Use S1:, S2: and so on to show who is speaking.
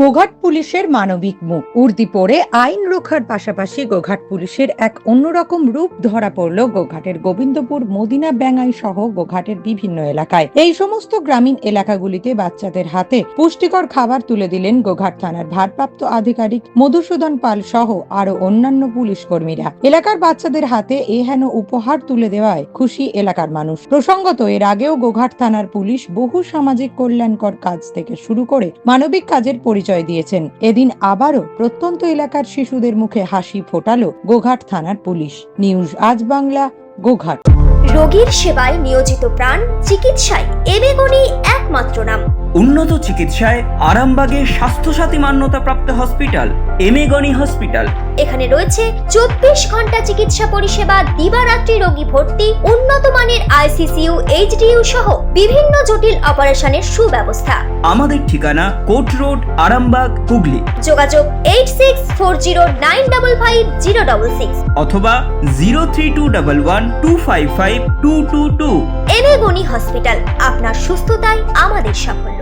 S1: গোঘাট পুলিশের মানবিক মুখ উর্দি পরে আইন রক্ষার পাশাপাশি গোঘাট পুলিশের এক অন্যরকম রূপ ধরা পড়ল গোঘাটের গোবিন্দপুর মদিনা ব্যাঙ্গাই সহ গোঘাটের বিভিন্ন এলাকায়। এই সমস্ত গ্রামীণ এলাকাগুলিতে বাচ্চাদের হাতে পুষ্টিকর খাবার তুলে দিলেন গোঘাট থানার ভারপ্রাপ্ত আধিকারিক মধুসূদন পাল সহ আরো অন্যান্য পুলিশ কর্মীরা। এলাকার বাচ্চাদের হাতে এহেন উপহার তুলে দেওয়ায় খুশি এলাকার মানুষ। প্রসঙ্গত এর আগেও গোঘাট থানার পুলিশ বহু সামাজিক কল্যাণকর কাজ থেকে শুরু করে মানবিক কাজের পরিচয় দিয়েছেন। এদিন আবারও প্রত্যন্ত এলাকার শিশুদের মুখে হাসি ফোটালো গোঘাট থানার পুলিশ। নিউজ আজ বাংলা, গোঘাট।
S2: রোগীর সেবায় নিয়োজিত প্রাণ, চিকিৎসায় এবেগুনি একমাত্র নাম।
S3: উন্নত চিকিৎসায় আরামবাগে স্বাস্থ্যসাথী মান্যতাপ্রাপ্ত হসপিটাল এমেগনি হসপিটাল।
S2: এখানে রয়েছে 24 ঘন্টা চিকিৎসা পরিষেবা, দিবারাত্রি রোগী ভর্তি, উন্নত মানের আইসিসিইউ, এইচডিইউ সহ বিভিন্ন জটিল অপারেশনের সুব্যবস্থা।
S3: আমাদের ঠিকানা কোট রোড, আরামবাগ, হুগলি।
S2: যোগাযোগ 8640955066
S3: অথবা 032112552222।
S2: এবেগুনি হসপিটাল, আপনার সুস্থতাই আমাদের সাফল্য।